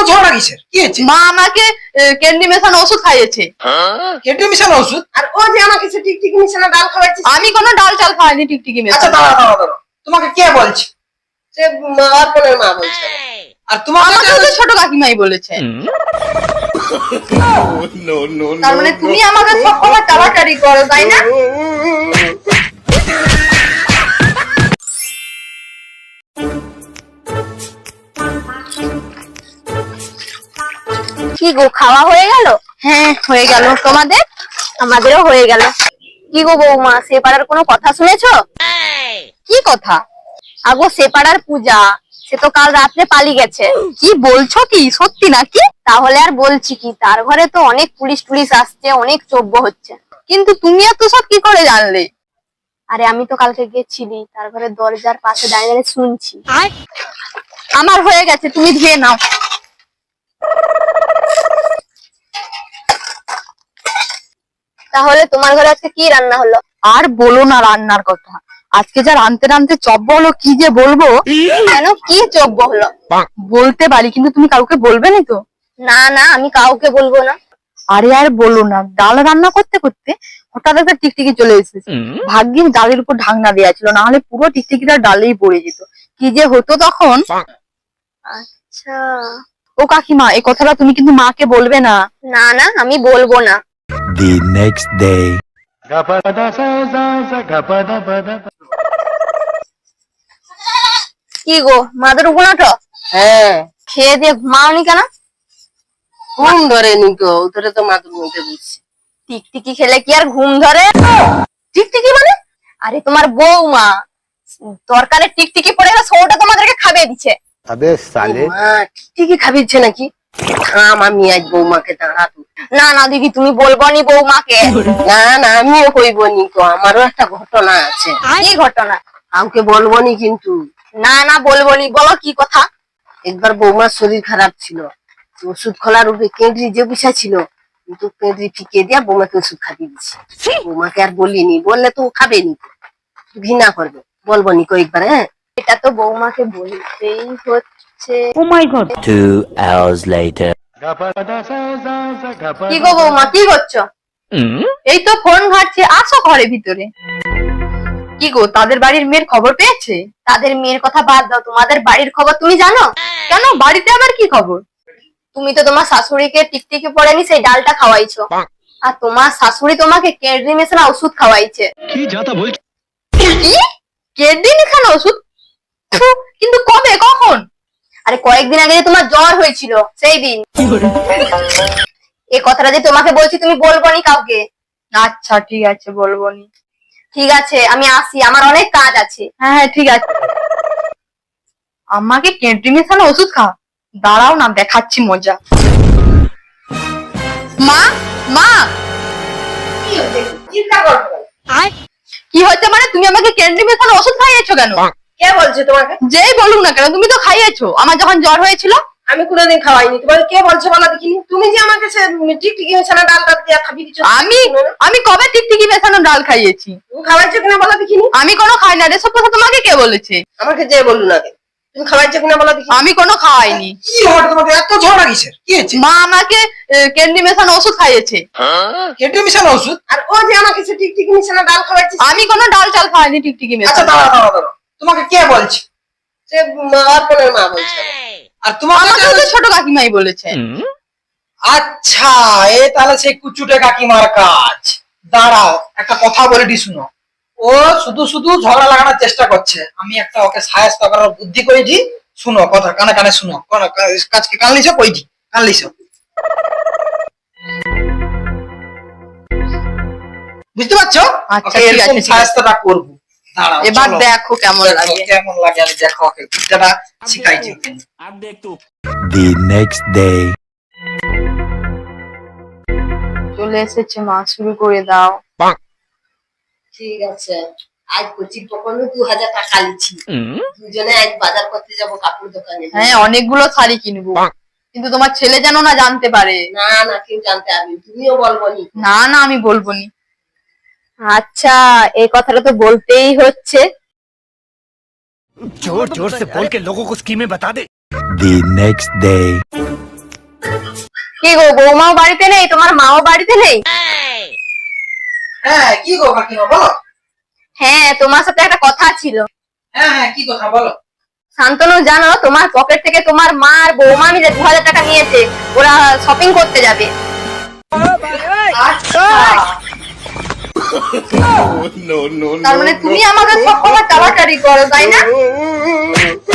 ঝগড়া কিসের? কি হয়েছে? মা আমাকে ক্যান্ডি মেশানো ওষুধ খাইয়েছে। কেটে মিশানো ওষুধ? আর ও যে আমাকে সে টিকটিকি মিশানো ডাল খাওয়াচ্ছে, আমি কোনো ডাল চাল খাইনি টিকটিকি আচ্ছা মেশানো। দাঁড়া, তোমাকে কে বলছে? সে অর্পণের মা বলছে। আর তোমাকে আমাকে তো ছোট কাকিমাই বলেছে। তার মানে তুমি আমাকে সব কথা টাড়াটাড়ি করো, তাই না? কি গো, খাওয়া হয়ে গেল? হ্যাঁ হয়ে গেল, তোমাদের? আমাদেরও হয়ে গেল। কি গো বৌমা, সে পাড়ার কোনো কথা শুনেছো? কি কথা? আগো সে পাড়ার পূজা, সে তো কাল রাত্রে পালিয়ে গেছে। কি বলছো, কি সত্যি নাকি? তাহলে আর বলছি কি, তার ঘরে তো অনেক পুলিশ টুলিশ আসছে, অনেক চব্য হচ্ছে। কিন্তু তুমি এত সব কি করে জানলে? আরে আমি তো কালকে গেছিলি, তার ঘরে দরজার পাশে দাঁড়িয়ে দাঁড়িয়ে শুনছি। আমার হয়ে গেছে, তুমি ধুয়ে নাও। তাহলে তোমার ঘরে আজকে কি রান্না হলো? আর বলো না রান্নার কথা, আজকে যা রানতে রানতে চব্য হলো, কি যে বলবো। কেন, কি চব্য হলো? বলতে পারি, কিন্তু তুমি কাউকে বলবে না তো? না না, আমি কাউকে বলবো না। আরে আর বলো না, ডাল রান্না করতে করতে হঠাৎ একটা টিকটিকি চলে এসেছে। ভাগ্যিস ডালের উপর ঢাকনা দেওয়া ছিল, না হলে পুরো টিকটিকিটা ডালেই পড়ে যেত। কি যে হতো তখন। আচ্ছা। ও কাকিমা, এই কথাটা তুমি কিন্তু মাকে বলবে না। না না, আমি বলবো না। The next day. কি গো, মাদের উপনাটো হ্যাঁ, খেয়ে দিয়ে ঘুমাওনি কেন? ঘুম ধরেনি গো, ধরে তো মাদুর মধ্যে বুঝছি। টিকটিকি খেলে কি আর ঘুম ধরে? টিকটিকি মানে? আরে তোমার বৌমা তরকারে টিকটিকি পড়ে গেছে, ওটা তোমাদেরকে খাবে দিচ্ছে। अबे साले. মা টিকটিকি খাবিচ্ছে নাকি? থাম, আমি আজ বৌমাকে দাঁড়াবো। না না দিদি, তুমি বলবো নি বৌমাকে। না না, আমিও কইব নি তো, আমারও একটা ঘটনা আছে। কি ঘটনা? কাউকে বলবো নি কিন্তু। না না, বলবো নি, বলো কি কথা। একবার বৌমার শরীর খারাপ ছিল, ওষুধ খোলার উপরে কেঁদরি যে বসা ছিল, কিন্তু কেঁদরি ফিকে দিয়া বৌমাকে ওষুধ খাইয়ে দিচ্ছি। বৌমাকে আর বলিনি, বললে তো ও খাবে নি, ঘৃণা করবে। বলবো নি কয়েকবার। হ্যাঁ, এটা তো বৌমাকে বলতেই হচ্ছে। 2 hours later. কি গো বৌমা, কি করছো? এই তো ফোন ঘাটছে, আসো ঘরে ভিতরে। কি গো, তাদের বাড়ির মেয়ের খবর পেয়েছে? তাদের মেয়ের কথা বাদ দাও, তোমাদের বাড়ির খবর তুমি জানো? কেন, বাড়িতে আবার কি খবর? তুমি তো তোমার শাশুড়িকে টিকটিকি পড়েনি সেই ডালটা খাওয়াইছো, আর তোমার শাশুড়ি তোমাকে কেডরি মেশানো ওষুধ খাওয়াইছে। কি কেদিন এখানে ওষুধ? ফু, কিন্তু কবে, কখন? আরে কয়েকদিন আগে যে তোমার জ্বর হয়েছিল সেই দিন। এই কথাটা যে তোমাকে বলছি, তুমি বলবো নি কাউকে। আচ্ছা ঠিক আছে, বলবো নি। ঠিক আছে, আমি আসি, আমার অনেক কাজ আছে। হ্যাঁ হ্যাঁ ঠিক আছে। আমাকে কেন্দ্রি মেশানো ওষুধ খা, দাঁড়াও না, দেখাচ্ছি মজা। মা, মা, চিন্তা করবো না। কি হচ্ছে মানে? তুমি আমাকে কেন্দ্রি মেশানো ওষুধ খাইয়েছো কেন? কে বলছে তোমাকে? যেই বলুক না কেন, তুমি তো খাইয়েছো আমার যখন জ্বর হয়েছিল। আমি কোনোদিন খাওয়াইনি। তোমাকে কে বলছে বলো দেখিনি? তুমি যে আমাকে সে টিকটিকি মেশানো ডালটা দিয়ে খাবি দিচ্ছ, আমি কবে টিকটিকি মেশানো ডাল খাইয়েছি? তুমি খাওয়াইছো কিনা বলো দেখিনি? আমি কোনো খাই না রে, সব কথা তোমাকে কে বলেছে? আমাকে যে বললো না, তুমি খাওয়াইছো কিনা বলো দেখিনি? আমি কোনো খাওয়াইনি। কি হঠাৎ তোমাকে এত ঝগড়া কিসের? কি হয়েছে? মা আমাকে ক্যান্ডি মেশানো ওষুধ খাইয়েছে। কেটে মিশানো ওষুধ? আর ও যে আমাকে সে টিকটিকি মেশানো ডাল খাওয়াচ্ছে, আমি কোনো ডাল চাল খাইনি টিকটিকি আচ্ছা মেশানো। দাঁড়া, তোমাকে কে বলছে? সে অর্পণের মা বলছে। আর তোমাকে আমাকে তো ছোট কাকিমাই বলেছে। আচ্ছা, এ তাহলে সেই কুচুটে কাকিমার কাজ। দাঁড়াও, একটা কথা বলে দি শুনো। ও শুধু শুধু ঝগড়া লাগানোর চেষ্টা করছে, আমি একটা ওকে সাহায্য করার বুদ্ধি করেছি। শুনো কথা, কানে কানে শুনো। কাজকে কান লিছো, কইছি কান লিছো। বুঝতে পারছো? আচ্ছা, ওকে ঠিক এরকম আছে, ঠিক আছে। সাহায্যটা করবো। দাঁড়াও, এবার চলো। দেখো কেমন লাগে। কেমন লাগে আমি দেখো, ওকে বিদ্যাটা শিখাইছি ওকে। The next day. চলে এসেছে মা, শুরু করে দাও। ঠিক আছে, আজ কচির পকনো 2000 টাকা লিছি। দুজনে আজ বাজার করতে যাব কাপড় দোকানে। হ্যাঁ, অনেকগুলো শাড়ি কিনবো, কিন্তু তোমার ছেলে যেন না জানতে পারে। না না, কেউ জানতে পারবে, তুমিও বলবো নি। না না, আমি বলবো নি। আচ্ছা, এই কথাটা তো বলতেই হচ্ছে। जोर जोर से बोल के लोगों को स्कीमें बता दे। The next day. কি গো, বৌমাও বাড়িতে নেই, তোমার মাও বাড়িতে নেই? হ্যাঁ কি গো কাকিমা বলো। হ্যাঁ, তোমার সাথে একটা কথা ছিল। হ্যাঁ হ্যাঁ কি কথা বলো। শান্তনু, জানো তোমার পকেট থেকে তোমার মা আর বৌমা মিলে 2000 টাকা নিয়েছে, ওরা শপিং করতে যাবে। আচ্ছা তার মানে তুমি আমাকে সব কথা টালাটালি করো, তাই না?